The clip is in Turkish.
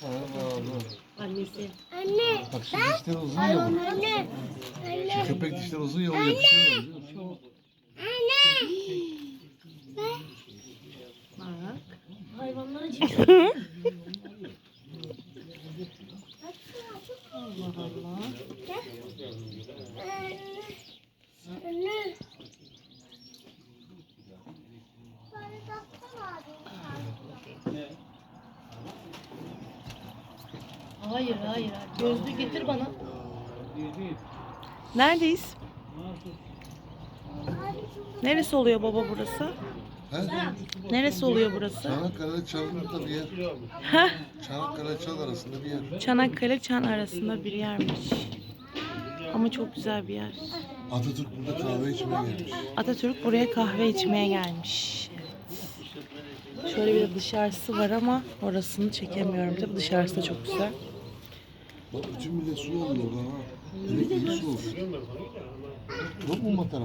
Annesi. Anne. Bak şu dişleri uzun ya bu. Anne. Şu köpek dişleri uzun ya o yapışıyor. Çok. Anne. Bak. Hayvanlara Allah Allah. Anne. Hayır. Gözlüğü getir bana. Neredeyiz? Neresi oluyor baba burası? He? Neresi oluyor burası? Çanakkale Çalık'ta bir yer. Heh, Çanakkale Çal arasında bir yer. Çanakkale Çan arasında bir yermiş. Ama çok güzel bir yer. Atatürk burada kahve içmeye gelmiş. Atatürk buraya kahve içmeye gelmiş. Evet. Şöyle bir de dışarısı var ama orasını çekemiyorum. Tabii dışarısı da çok güzel. Bak bütün millet su alıyor orada ha. Demek iyi su olsun. Yok mu matara?